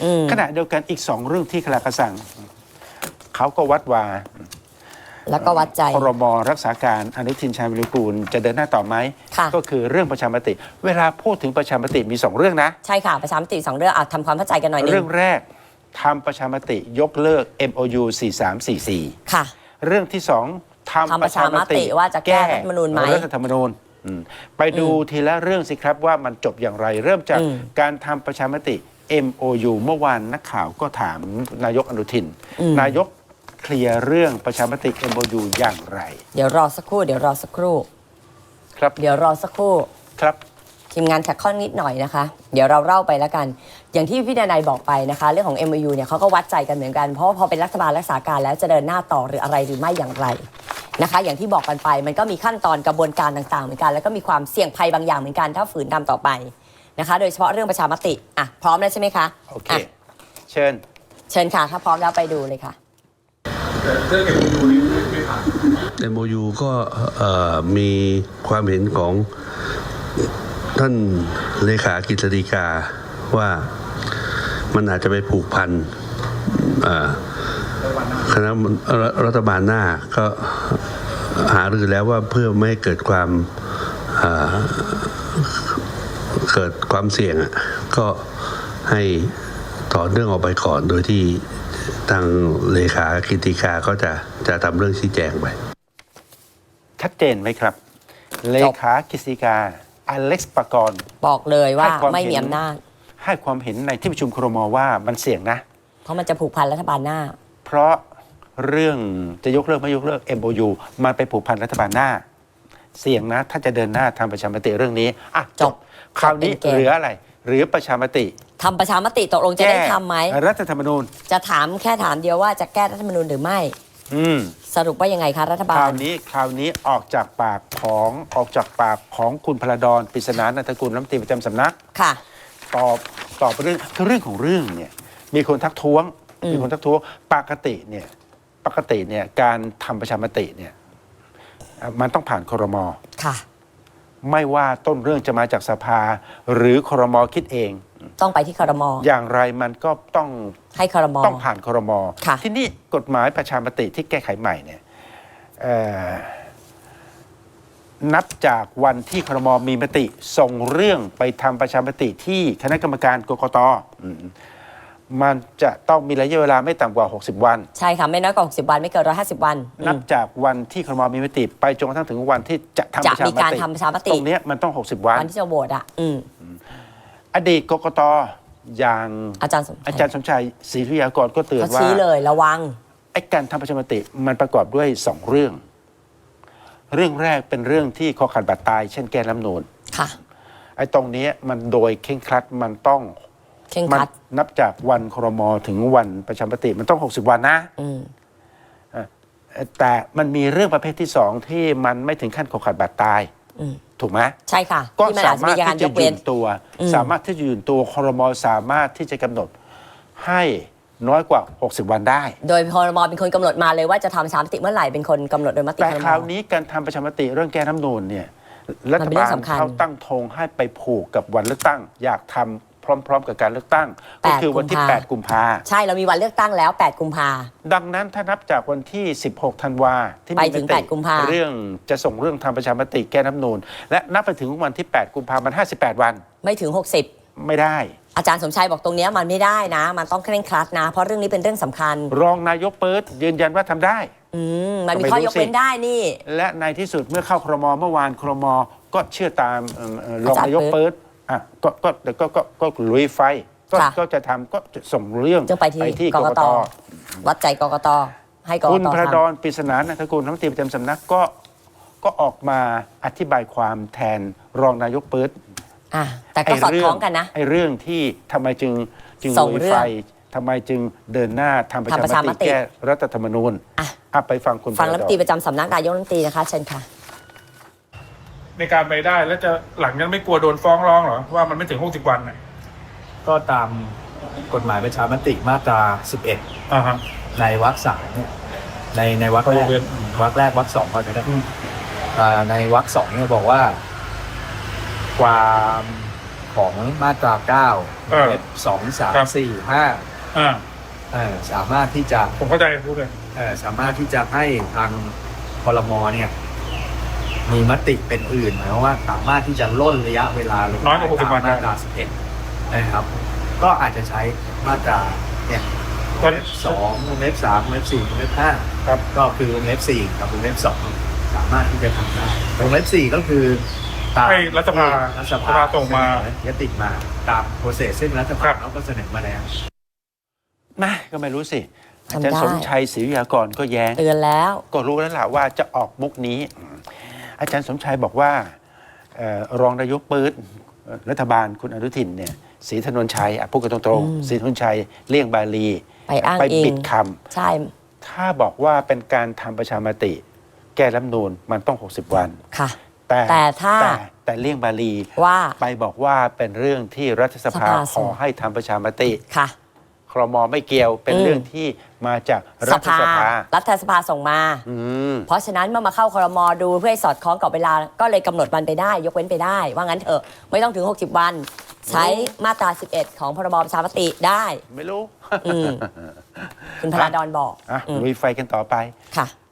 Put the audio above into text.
ขณะเดียวกันอีก2เรื่องที่คณะกระสั่งเขาก็วัดว่าแล้วก็วัดใจครม.รักษาการอนุทินชาญวิรุฬกูลจะเดินหน้าต่อไหมก็คือเรื่องประชามติเวลาพูดถึงประชามติมี2เรื่องนะใช่ค่ะประชามติ2เรื่องทำความเข้าใจกันหน่อยนึงเรื่องแรกทำประชามติยกเลิก MOU 4344 ค่ะเรื่องที่2ทำประชามติว่าจะแก้รัฐธรรมนูญไหมรัฐธรรมนูญไปดูทีละเรื่องสิครับว่ามันจบอย่างไรเริ่มจากการทำประชามติ MOU เมื่อวานนักข่าวก็ถามนายกอนุทินนายกเคลียร์เรื่องประชามติ MOU อย่างไรเดี๋ยวรอสักครู่ครับเดี๋ยวรอสักครู่ครับทีมงานแท็กข้อนิดหน่อยนะคะเดี๋ยวเราเล่าไปแล้วกันอย่างที่พี่ดนัยบอกไปนะคะเรื่องของ MOU เนี่ยเขาก็วัดใจกันเหมือนกันเพราะว่าพอเป็นรัฐบาลรักษาการแล้วจะเดินหน้าต่อหรืออะไรหรือไม่อย่างไรนะคะอย่างที่บอกกันไปมันก็มีขั้นตอนกระบวนการต่างๆเหมือนกันแล้วก็มีความเสี่ยงภัยบางอย่างเหมือนกันถ้าฝืนทำต่อไปนะคะโดยเฉพาะเรื่องประชามติพร้อมแล้วใช่ไหมคะโอเคเชิญค่ะถ้าพร้อมแล้วไปดูเลยค่ะเรื่อง MOU นี้ไม่ผ่าน MOU ก็มีความเห็นของท่านเลขากฤษฎีกาว่ามันอาจจะไปผูกพันคณะรัฐบาลหน้าก็หารือแล้วว่าเพื่อไม่ให้เกิดความเสี่ยงก็ให้ถอนเรื่องออกไปก่อนโดยที่ทางเลขากฤษฎีกาก็จะทำเรื่องชี้แจงไปชัดเจนไหมครับเลขากฤษฎีกาอเล็กซ์ปกรณ์บอกเลยว่าไม่มีอำนาจให้ความเห็นในที่ประชุมครม.ว่ามันเสี่ยงนะเพราะมันจะผูกพันรัฐบาลหน้าเพราะเรื่องจะยกเลิกไม่ยกเลิก MOU มันไปผูกพันรัฐบาลหน้าเสี่ยงนะถ้าจะเดินหน้าทำประชามติเรื่องนี้จบคราวนี้เหลืออะไรหรือประชามติทำประชามติตกลงจะได้ทำไหมรัฐธรรมนูญจะถามแค่ถามเดียวว่าจะแก้รัฐธรรมนูญหรือไม่สรุปว่ายังไงคะรัฐบาลคราวนี้ออกจากปากของคุณพลดรปริศนานันทกุลรัฐมนตรีประจำสำนักค่ะตอบเรื่องของเรื่องเนี่ยมีคนทักท้วงปกติเนี่ยการทำประชามติเนี่ยมันต้องผ่านครม. ค่ะไม่ว่าต้นเรื่องจะมาจากสภาหรือครม.คิดเองต้องไปที่ครม. อย่างไรมันก็ต้องให้ครม. ต้องผ่านครม.ที่นี่กฎหมายประชามติที่แก้ไขใหม่เนี่ยนับจากวันที่ครม.มีมติส่งเรื่องไปทำประชามติที่คณะกรรมการกกต.มันจะต้องมีระยะเวลาไม่ต่ำกว่า60วันใช่ค่ะไม่น้อยกว่า60วันไม่เกิน150วันนับจากวันที่ครม.มีมติไปจนกระทั่งถึงวันที่จะทำประชามติตรงนี้มันต้อง60วันวันที่จะโหวตอดีตกกต.อย่างอาจารย์สมชัยศรีธุยากรก็เตือนว่าชี้เลยระวังไอ้การทำประชามติมันประกอบด้วย2เรื่องแรกเป็นเรื่องที่คอขาดบาดตายเช่นแก้รัฐธรรมนูญค่ะไอ้ตรงนี้มันโดยเคร่งครัดมันต้องนับจากวันครม.ถึงวันประชามติมันต้อง60วันนะแต่มันมีเรื่องประเภทที่2ที่มันไม่ถึงขั้นคอขาดบาดตายถูกไหมใช่ค่ะก็สามารถที่จะยืนตัวครม.สามารถที่จะกำหนดให้น้อยกว่า60วันได้โดยครม.เป็นคนกำหนดมาเลยว่าจะทำประชามติเมื่อไหร่เป็นคนกำหนดโดยมติครม. แต่คราวนี้การทำประชามติเรื่องแก้รัฐธรรมนูญเนี่ยรัฐบาลเขาตั้งธงให้ไปผูกกับวันเลือกตั้งอยากทำพร้อมๆกับการเลือกตั้งก็คือวันที่8กุมภาใช่เรามีวันเลือกตั้งแล้ว8กุมภาดังนั้นถ้านับจากวันที่16ธันวาที่มีมติเรื่องจะส่งเรื่องทำประชามติแก้รัฐธรรมนูญและนับไปถึงวันที่8กุมภามัน58วันไม่ถึง60 ไม่ได้อาจารย์สมชัยบอกตรงนี้มันไม่ได้นะมันต้องเคร่งครัดนะเพราะเรื่องนี้เป็นเรื่องสำคัญรองนายกเปิดยืนยันว่าทำได้มันมีข้อยกเว้นได้นี่และในที่สุดเมื่อเข้าครม.เมื่อวานครม.ก็เชื่อตามรองนายกเปิดก็ลุยไฟก็จะทำก็จะส่งเรื่องไปที่กกต.วัดใจกกต.ให้กกต. คุณพระดอนปริศนานันทกุลรัฐมนตรีประจำสำนักก็ออกมาอธิบายความแทนรองนายกเปิดแต่ก็สอดคล้องกันนะไอ้เรื่องที่ทำไมจึงลุยไฟทำไมจึงเดินหน้าทำประชามติแก้รัฐธรรมนูญไปฟังคุณฟังรัฐมนตรีประจำสำนักนายกรัฐมนตรีนะคะเชิญค่ะในการไปได้แล้วจะหลังยังไม่กลัวโดนฟ้องร้องหรอว่ามันไม่ถึง60วันก็ตามกฎหมายประชามติมาตรา11ในวรรค3เนี่ยในวรรคแรกวรรค2ก็ได้ในวรรค2เนี่ยบอกว่าความของมาตรา 9 เว็บ 2 3 4 อ่า 5สามารถที่จะผมเข้าใจพูดเลยสามารถที่จะให้ทางครมเนี่ยมีมติเป็นอื่นหมายความว่าสามารถที่จะล่นระยะเวลาลงน้อยกว่า60 วันมาตรา 11 นะครับ ก็อาจจะใช้มาตราเนี่ยตอนเว็บ2วงเล็บ3วงเล็บ4วงเล็บ5 ครับก็คือวงเล็บ4กับวงเล็บ2สามารถที่จะทำได้วงเล็บ4ก็คือตามให้รัฐสภารัฐสภาส่งมายติมาตามโปรเซสซึ่งรัฐสภาเขาก็เสนอมาแล้วนะก็ไม่รู้สิอาทำได้จารย์สมชัยศรีวิทยากรก็แย้งเตือนแล้วก็รู้แล้วล่ะว่าจะออกมุกนี้ อาจารย์สมชัยบอกว่ารองนายกปื๊ดรัฐบาลคุณอนุทินเนี่ยศรีถนนชัยพูดกันตรงๆศรีถนนชัยเลี่ยงบาลีไปอ้างอิงปิดคใช่ำถ้าบอกว่าเป็นการทำประชามติ แก้รัฐธรรมนูญมันต้อง 60 วันค่ะแต่ถ้าแต่เลี่ยงบาลีว่าไปบอกว่าเป็นเรื่องที่รัฐสภาสภาขส่อง ให้ทำประชามติค่ะครมไม่เกี่ยวเป็นเรื่องที่มาจากรัฐสภารัฐสภาส่งมาอืมเพราะฉะนั้นเมื่อมาเข้าครมดูเพื่อให้สอดคล้องกับเวลา ก็เลยกำหนดวันไปได้ ยกเว้นไปได้ ว่างั้นเถอะ ไม่ต้องถึง 60 วัน ใช้มาตรา 11 ของพรบประชามติได้ไม่รู้อืม คุณพลาดอนบอกลุยไฟกันต่อไปค่ะ